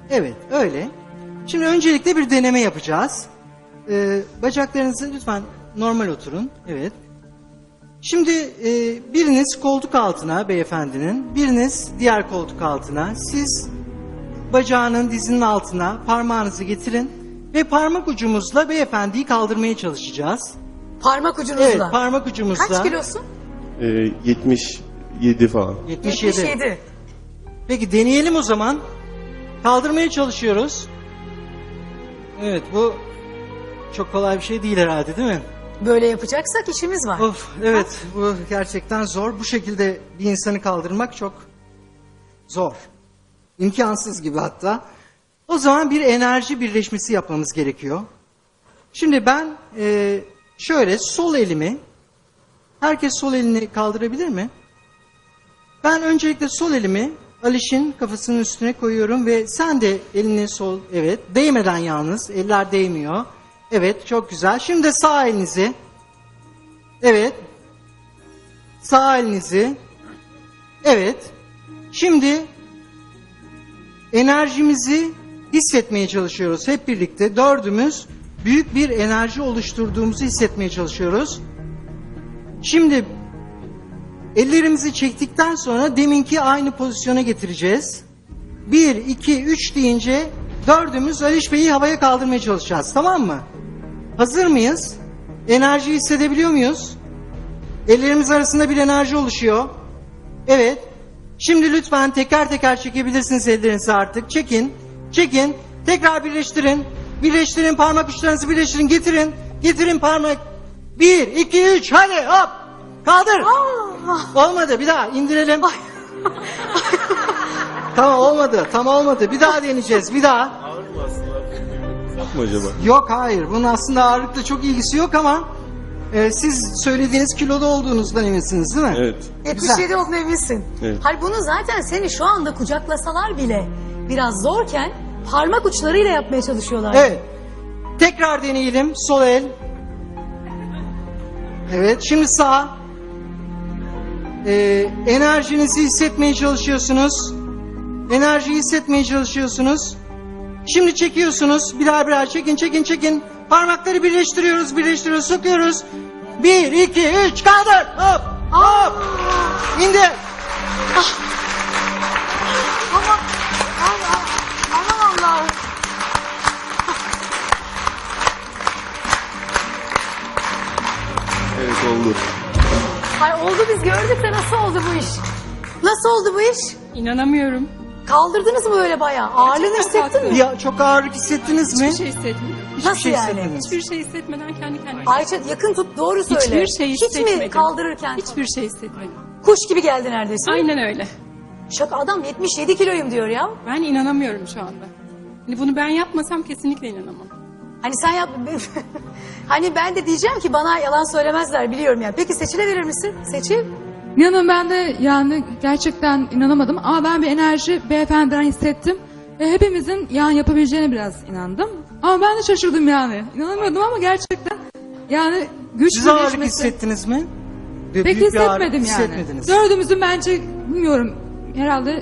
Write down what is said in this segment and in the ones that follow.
Evet, öyle. Şimdi öncelikle bir deneme yapacağız. Bacaklarınızı lütfen normal oturun. Evet. Şimdi biriniz koltuk altına beyefendinin, biriniz diğer koltuk altına. Siz bacağının dizinin altına parmağınızı getirin ve parmak ucumuzla beyefendiyi kaldırmaya çalışacağız. Parmak ucunuzla. Evet, parmak ucumuzla. Kaç kilosun? 77 falan. 77. Peki deneyelim o zaman. Kaldırmaya çalışıyoruz. Evet, bu çok kolay bir şey değil herhalde, değil mi? Böyle yapacaksak işimiz var. Of, evet, bu gerçekten zor. Bu şekilde bir insanı kaldırmak çok zor. İmkansız gibi hatta. O zaman bir enerji birleşmesi yapmamız gerekiyor. Şimdi ben şöyle sol elimi, herkes sol elini kaldırabilir mi? Ben öncelikle sol elimi Aliş'in kafasının üstüne koyuyorum ve sen de elini sol, evet, değmeden yalnız, eller değmiyor. Evet, çok güzel. Şimdi de sağ elinizi, evet, sağ elinizi, evet. Şimdi enerjimizi hissetmeye çalışıyoruz hep birlikte. Dördümüz büyük bir enerji oluşturduğumuzu hissetmeye çalışıyoruz. Şimdi ellerimizi çektikten sonra deminki aynı pozisyona getireceğiz. 1, 2, 3 deyince dördümüz Aliş Bey'i havaya kaldırmaya çalışacağız. Tamam mı? Hazır mıyız? Enerjiyi hissedebiliyor muyuz? Ellerimiz arasında bir enerji oluşuyor. Evet. Şimdi lütfen teker teker çekebilirsiniz ellerinizi artık. Çekin. Çekin. Tekrar birleştirin. Birleştirin. Parmak uçlarınızı birleştirin. Getirin. Getirin parmak. 1, 2, 3. Hadi hop. Kaldır. Olmadı. Bir daha indirelim. Tamam olmadı. Tam olmadı. Bir daha deneyeceğiz. Bir daha. Ağır mı aslında? Yok mu acaba? Yok hayır. Bunun aslında ağırlıkla çok ilgisi yok ama siz söylediğiniz kiloda olduğunuzdan eminsiniz değil mi? Evet. 77 olduğuna eminsin. Evet. Hayır bunu zaten seni şu anda kucaklasalar bile biraz zorken parmak uçlarıyla yapmaya çalışıyorlar. Evet. Tekrar deneyelim. Sol el. Evet. Şimdi sağ. Enerjinizi hissetmeye çalışıyorsunuz. Enerjiyi hissetmeye çalışıyorsunuz. Şimdi çekiyorsunuz. Birer birer çekin, çekin, çekin. Parmakları birleştiriyoruz, birleştiriyoruz, sokuyoruz. 1, 2, 3, kaldır. Hop, hop. İndir. Aman Allah'ım. Evet oldu. Hayır oldu biz gördük de nasıl oldu bu iş? Nasıl oldu bu iş? İnanamıyorum. Kaldırdınız mı öyle bayağı? Ağırlığını hissettin mi? Ya çok ağırlık hissettiniz mi? Hiçbir şey hissetmedim. Hiçbir Nasıl şey yani? hissetmediniz. Hiçbir şey hissetmeden kendi kendime. Ayça yakın tut doğru söyle. Hiçbir şey Hiç hissetmedim. mi kaldırırken? Hiçbir şey hissetmedim. Kuş gibi geldi neredeyse. Aynen öyle. Şaka adam 77 kiloyum diyor ya. Ben inanamıyorum şu anda. Hani bunu ben yapmasam kesinlikle inanamam. Hani sen yap... hani ben de diyeceğim ki bana yalan söylemezler biliyorum ya. Peki Seçil'e verir misin? Seçil. İnanın ben de yani gerçekten inanamadım ama ben bir enerji beyefendiden hissettim. Ve hepimizin yani yapabileceğine biraz inandım. Ama ben de şaşırdım yani. İnanamıyordum ama gerçekten yani güç Siz ağırlık birleşmesi- hissettiniz mi? Pek Büyük bir ağırlık hissetmedim yani. hissetmediniz. Dördümüzün bence bilmiyorum herhalde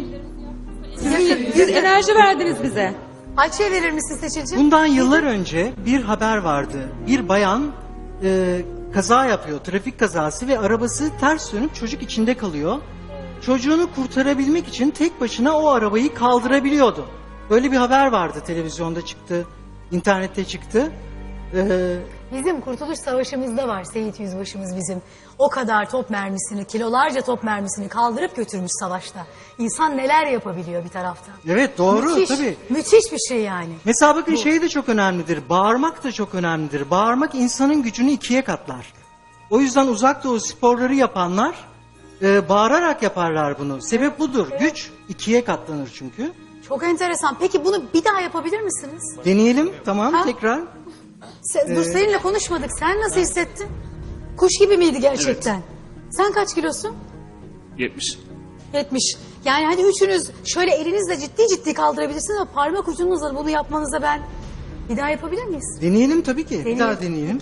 siz enerji verdiniz bize. Ayça'ya verir misin Seçil'ciğim? Bundan yıllar önce bir haber vardı. Bir bayan kaza yapıyor, trafik kazası ve arabası ters dönüp çocuk içinde kalıyor. Çocuğunu kurtarabilmek için tek başına o arabayı kaldırabiliyordu. Böyle bir haber vardı, televizyonda çıktı, internette çıktı. Bizim Kurtuluş Savaşı'mızda var Seyit Yüzbaşımız bizim. O kadar top mermisini, kilolarca top mermisini kaldırıp götürmüş savaşta. İnsan neler yapabiliyor bir taraftan. Evet doğru Müthiş, tabii. müthiş bir şey yani. Mesela bakın şey de çok önemlidir. Bağırmak da çok önemlidir. Bağırmak insanın gücünü ikiye katlar. O yüzden uzak doğu sporları yapanlar bağırarak yaparlar bunu. Sebep budur. Güç ikiye katlanır çünkü. Çok enteresan. Peki bunu bir daha yapabilir misiniz? Deneyelim. Tamam Ha? tekrar. Dur seninle konuşmadık. Sen nasıl hissettin? Kuş gibi miydi gerçekten? Sen kaç kilosun? 70. 70. Yani hadi üçünüz şöyle elinizle ciddi ciddi kaldırabilirsiniz ama parmak ucunuzla bunu yapmanıza ben bir daha yapabilir miyiz? Deneyelim tabii ki. Bir Deneyelim. daha deneyelim.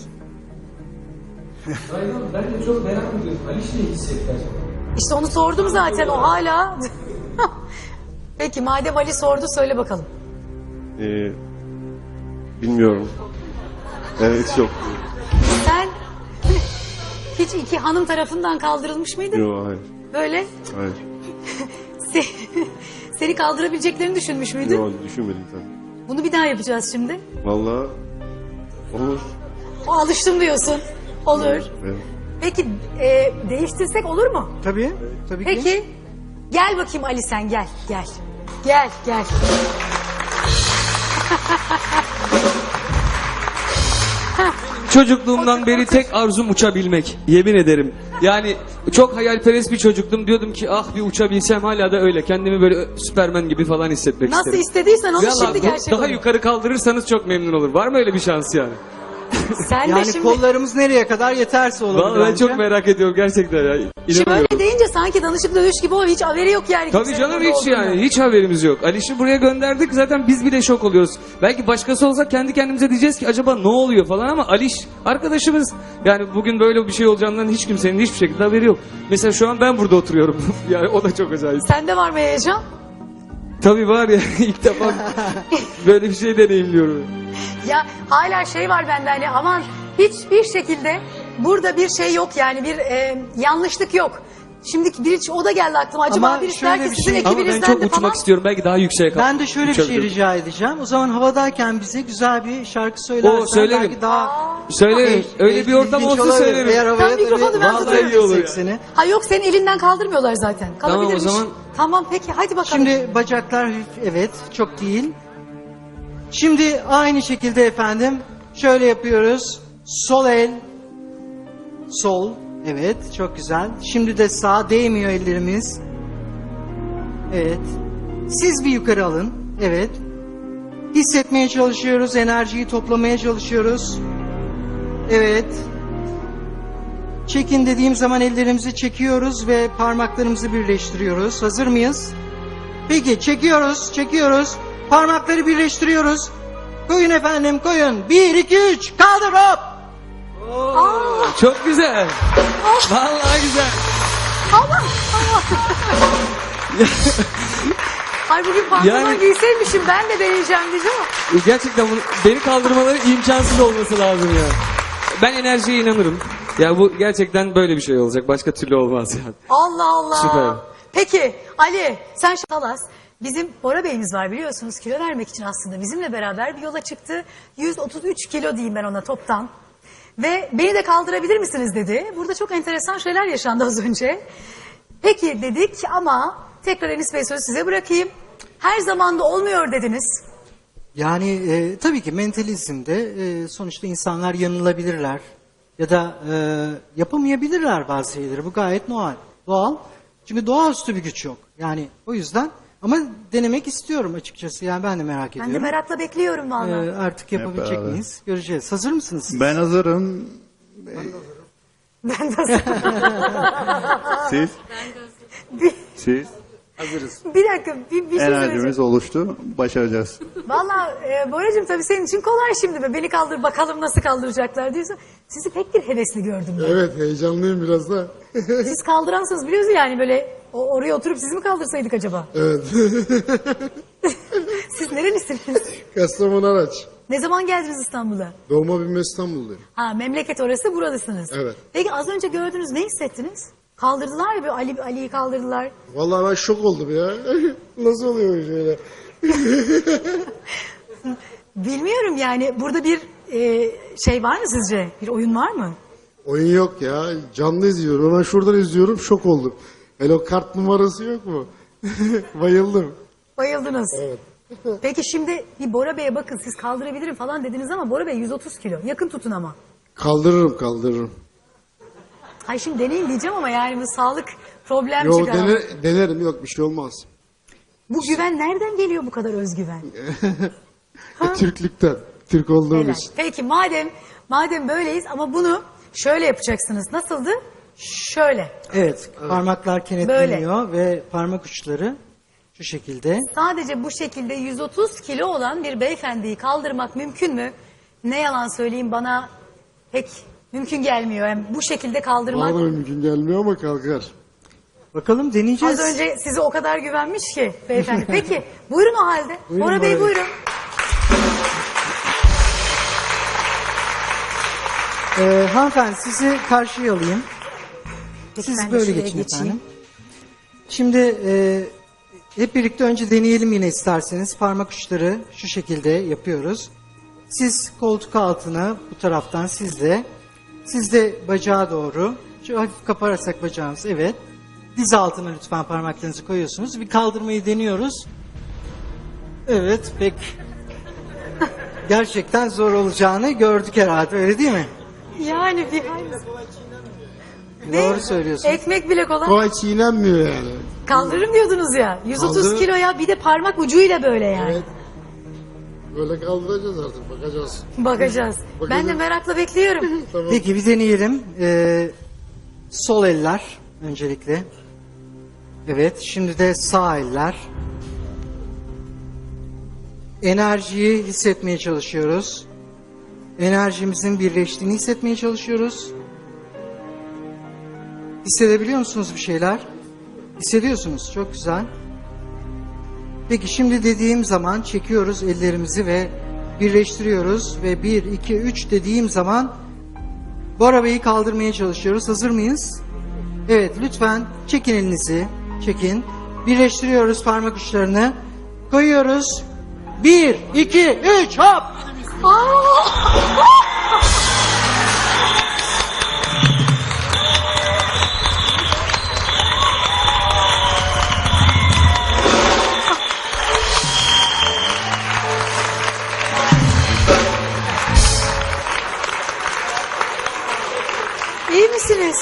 Aynen ben de çok merak ediyorum. Aliş ne hissetti acaba? İşte onu sordum zaten o hala. Peki madem Ali sordu söyle bakalım. Bilmiyorum. Evet yok. Sen hiç iki hanım tarafından kaldırılmış mıydın? Yok hayır. Böyle Hayır. seni kaldırabileceklerini düşünmüş müydün? Yok düşünmedim tabii. Bunu bir daha yapacağız şimdi. Vallahi olur. O alıştım diyorsun. Olur. Evet. Peki değiştirsek olur mu? Tabii, tabii ki. Peki gel bakayım Ali sen gel gel. Gel gel. Çocukluğumdan beri tek arzum uçabilmek. Yemin ederim. Yani çok hayalperest bir çocuktum. Diyordum ki ah bir uçabilsem, hala da öyle. Kendimi böyle Süpermen gibi falan hissetmek Nasıl isterim. istediysen onu Vallahi şimdi gerçek daha olur. yukarı kaldırırsanız çok memnun olur. Var mı öyle bir şans yani? Sen de Yani şimdi, kollarımız nereye kadar yeterse olabilir. Vallahi ben bence. çok merak ediyorum gerçekten ya. şimdi İnanamıyorum. öyle deyince sanki danışıp dövüş gibi oluyor. Hiç haberi yok yani. Tabii kimsenin canım burada hiç olduğundan. yani hiç haberimiz yok. Aliş'i buraya gönderdik, zaten biz bile şok oluyoruz. Belki başkası olsa kendi kendimize diyeceğiz ki acaba ne oluyor falan, ama Aliş arkadaşımız, yani bugün böyle bir şey olacağından hiç kimsenin hiçbir şekilde haberi yok. Mesela şu an ben burada oturuyorum. Yani o da çok acayip. Sende var mı heyecan? Tabii var ya, ilk defa böyle bir şey deneyimliyorum. Ya hala şey var bende hani aman hiçbir şekilde burada bir şey yok yani bir yanlışlık yok. Şimdi o da geldi aklıma. Acaba Ama birisi şöyle der ki bir sizin şey- Ama ben ekibinizden çok de uçmak falan. istiyorum, belki daha yükseğe kalk. Ben de şöyle bir şey uçabilirim. rica edeceğim. O zaman havadayken bize güzel bir şarkı söylersen Oo, söylerim. belki daha... Söylerim. Öyle bir ortam ilginç olsa olabilir. söylerim. Eğer havaya Tam mikrofonu tabii ben vallahi tutarım. iyi olur ya. yani. Seni. Ha yok senin elinden kaldırmıyorlar zaten. Tamam, o Kalabilirmiş. zaman- Tamam peki hadi bakalım. Şimdi bacaklar hafif, evet, çok değil. Şimdi aynı şekilde efendim şöyle yapıyoruz. Sol el, sol, evet, çok güzel. Şimdi de sağ, değmiyor ellerimiz. Evet. Siz bir yukarı alın. Evet. Hissetmeye çalışıyoruz, enerjiyi toplamaya çalışıyoruz. Evet. Çekin dediğim zaman ellerimizi çekiyoruz ve parmaklarımızı birleştiriyoruz. Hazır mıyız? Peki çekiyoruz, çekiyoruz. Parmakları birleştiriyoruz. Koyun efendim, koyun. 1, 2, 3, kaldır hop. Çok güzel. Vallahi güzel. Ay bugün pantolon Yani- giyseymişim ben de deneyeceğim diyeceğim ama. Gerçekten beni kaldırmaları imkansız olması lazım ya. Ben enerjiye inanırım. Ya bu gerçekten böyle bir şey olacak. Başka türlü olmaz yani. Allah Allah. Süper. Peki Ali sen Şalas. Bizim Bora Bey'imiz var biliyorsunuz, kilo vermek için aslında bizimle beraber bir yola çıktı. 133 kilo diyeyim ben ona toptan. Ve beni de kaldırabilir misiniz dedi. Burada çok enteresan şeyler yaşandı az önce. Peki dedik ama tekrar Enis Bey sözü size bırakayım. Her zaman da olmuyor dediniz. Yani tabii ki mentalizmde sonuçta insanlar yanılabilirler. Ya da yapamayabilirler bazı şeyleri. Bu gayet doğal. Çünkü doğaüstü bir güç yok. Yani o yüzden ama denemek istiyorum açıkçası. Yani ben de merak Ben de ediyorum. merakla bekliyorum vallahi. Artık yapabilecek beraber. miyiz? Göreceğiz. Hazır mısınız siz? Ben hazırım. Ben de Siz? Siz? bir dakika bir şey söyleyeceğim. Enerjimiz oluştu. Başaracağız. Valla Boracığım tabii senin için kolay şimdi be. Beni kaldır bakalım nasıl kaldıracaklar diyorsun. Sizi pek bir hevesli gördüm ben. Evet heyecanlıyım biraz da. Siz kaldıransınız biliyorsun yani böyle oraya oturup sizi mi kaldırsaydık acaba? Evet. Siz nerelisiniz? Kastamonu Araç. Ne zaman geldiniz İstanbul'a? Doğma büyüme İstanbulluyum. Ha memleket orası buralısınız. Evet. Peki az önce gördünüz ne hissettiniz? Kaldırdılar ya böyle Ali'yi kaldırdılar. Vallahi ben şok oldum ya. Nasıl oluyor şöyle? Bilmiyorum yani burada bir şey var mı sizce? Bir oyun var mı? Oyun yok ya. Canlı izliyorum. Ben şuradan izliyorum şok oldum. Hele o kart numarası yok mu? Bayıldım. Bayıldınız. Evet. Peki şimdi bir Bora Bey'e bakın siz kaldırabilirim falan dediniz ama Bora Bey 130 kilo. Yakın tutun ama. Kaldırırım. Hay şimdi deneyin diyeceğim ama yani bu sağlık problem Yok çıkar. denerim yok bir şey olmaz. Bu güven nereden geliyor bu kadar özgüven? Türklükten. Türk Helal. olduğumuz. Peki madem böyleyiz ama bunu şöyle yapacaksınız. Nasıldı? Şöyle. Evet. Parmaklar kenetleniyor ve parmak uçları şu şekilde. Sadece bu şekilde 130 kilo olan bir beyefendiyi kaldırmak mümkün mü? Ne yalan söyleyeyim bana pek mümkün gelmiyor. Yani bu şekilde kaldırmak. Bana da mümkün gelmiyor ama kalkar. Bakalım deneyeceğiz. Az önce size o kadar güvenmiş ki beyefendi. Peki buyurun o halde. Buyurun Bora Bey Bora Bey. buyurun. Hanımefendi sizi karşıya alayım. Peki, Siz ben de böyle şuraya geçin geçeyim. efendim. Şimdi hep birlikte önce deneyelim yine isterseniz. Parmak uçları şu şekilde yapıyoruz. Siz koltuk altına bu taraftan siz de bacağa doğru. Şu hafif kaparsak bacağımız, evet. Diz altına lütfen parmaklarınızı koyuyorsunuz. Bir kaldırmayı deniyoruz. Evet, pek gerçekten zor olacağını gördük herhalde, öyle değil mi? Yani bir Doğru söylüyorsunuz. ekmek bile kolay. Kolay çiğnenmiyor yani. Kaldırırım diyordunuz ya. 130 Kaldır. kiloya bir de parmak ucuyla böyle yani. Evet. Böyle kaldıracağız artık, bakacağız. Bakacağız. Ben de merakla bekliyorum. Tamam. Peki bir deneyelim. Sol eller öncelikle. Evet, şimdi de sağ eller. Enerjiyi hissetmeye çalışıyoruz. Enerjimizin birleştiğini hissetmeye çalışıyoruz. Hissedebiliyor musunuz bir şeyler? Hissediyorsunuz, çok güzel. Peki şimdi dediğim zaman çekiyoruz ellerimizi ve birleştiriyoruz ve 1, 2, 3 dediğim zaman Bora Bey'i kaldırmaya çalışıyoruz. Hazır mıyız? Evet, lütfen çekin elinizi. Çekin. Birleştiriyoruz parmak uçlarını. Koyuyoruz. 1, 2, 3 hop! İyi misiniz?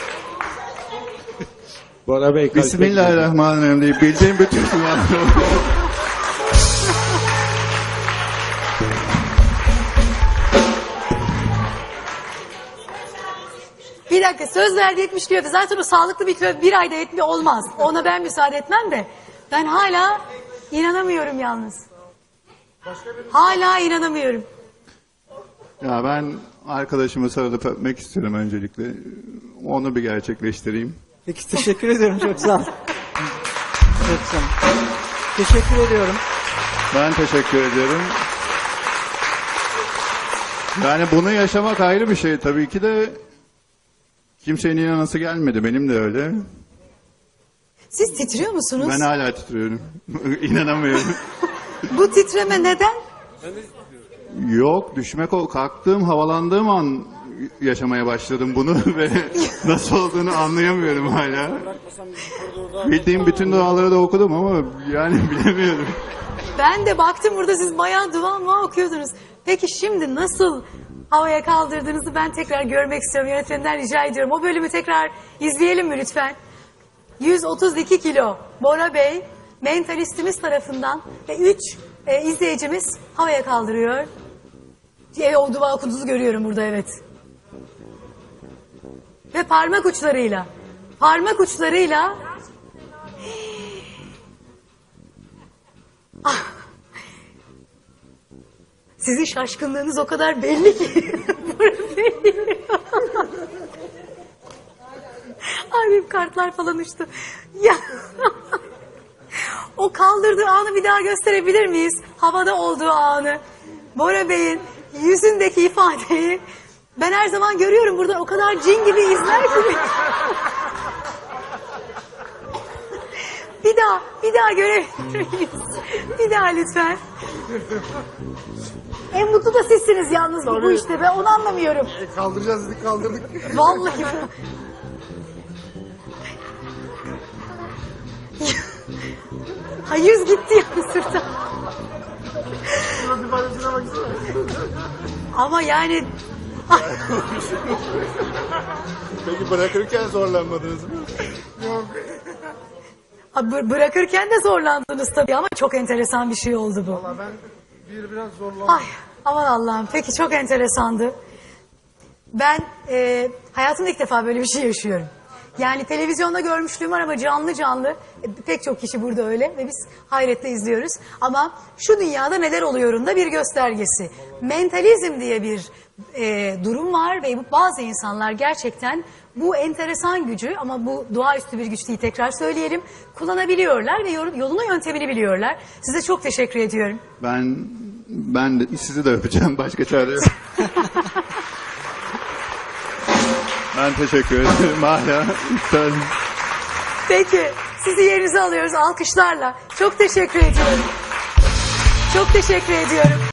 Bora Bey. Bismillahirrahmanirrahim deyip bildiğim bütün duaları Bir dakika, söz verdi 70 kilo. Zaten o sağlıklı bir kilo bir ayda olmaz. Ona ben müsaade etmem de. Ben hala inanamıyorum yalnız. Hala inanamıyorum. Ya ben arkadaşımı sarılıp öpmek istiyorum öncelikle. Onu bir gerçekleştireyim. Peki teşekkür ediyorum, çok sağ olun. Çok sağ olun. Teşekkür ediyorum. Ben teşekkür ediyorum. Yani bunu yaşamak ayrı bir şey. Tabii ki de kimsenin inanası gelmedi. Benim de öyle. Siz titriyor musunuz? Ben hala titriyorum. İnanamıyorum. Bu titreme neden? Yok, kalktığım, havalandığım an yaşamaya başladım bunu ve nasıl olduğunu anlayamıyorum hala. Bildiğim bütün duaları da okudum ama yani bilemiyorum. Ben de baktım burada siz bayağı dua okuyordunuz. Peki şimdi nasıl havaya kaldırdığınızı ben tekrar görmek istiyorum. Yönetmeninden rica ediyorum. O bölümü tekrar izleyelim mi lütfen? 132 kilo Bora Bey mentalistimiz tarafından ve 3 izleyicimiz havaya kaldırıyor. O dua okuduğunuzu görüyorum burada, evet. Ve parmak uçlarıyla Ah! Sizin şaşkınlığınız o kadar belli ki. Ay benim kartlar falan uçtu. Ya. O kaldırdığı anı bir daha gösterebilir miyiz? Havada olduğu anı. Bora Bey'in yüzündeki ifadeyi ben her zaman görüyorum buradan, o kadar cin gibi izler ki. Bir daha görebilir miyiz? Bir daha lütfen. En mutlu da sizsiniz yalnız bu işte. Ben onu anlamıyorum. Kaldıracağız dedik, kaldırdık. Vallahi. Ha, yüz gitti ya sırta. Ama yani Peki bırakırken zorlanmadınız mı? bırakırken de zorlandınız tabii ama çok enteresan bir şey oldu bu. Ben biraz zorlandım. Ay aman Allah'ım, peki çok enteresandı. Ben hayatımda ilk defa böyle bir şey yaşıyorum. Yani televizyonda görmüşlüğüm var ama canlı pek çok kişi burada öyle ve biz hayretle izliyoruz. Ama şu dünyada neler oluyorun da bir göstergesi. Mentalizm diye bir durum var ve bazı insanlar gerçekten bu enteresan gücü, ama bu doğaüstü bir güç değil, tekrar söyleyelim, kullanabiliyorlar ve yolunu yöntemini biliyorlar. Size çok teşekkür ediyorum. Ben de sizi de öpeceğim. Başka çare yok. Ben teşekkür ederim hala. Peki, sizi yerinize alıyoruz alkışlarla. Çok teşekkür ediyorum. Çok teşekkür ediyorum.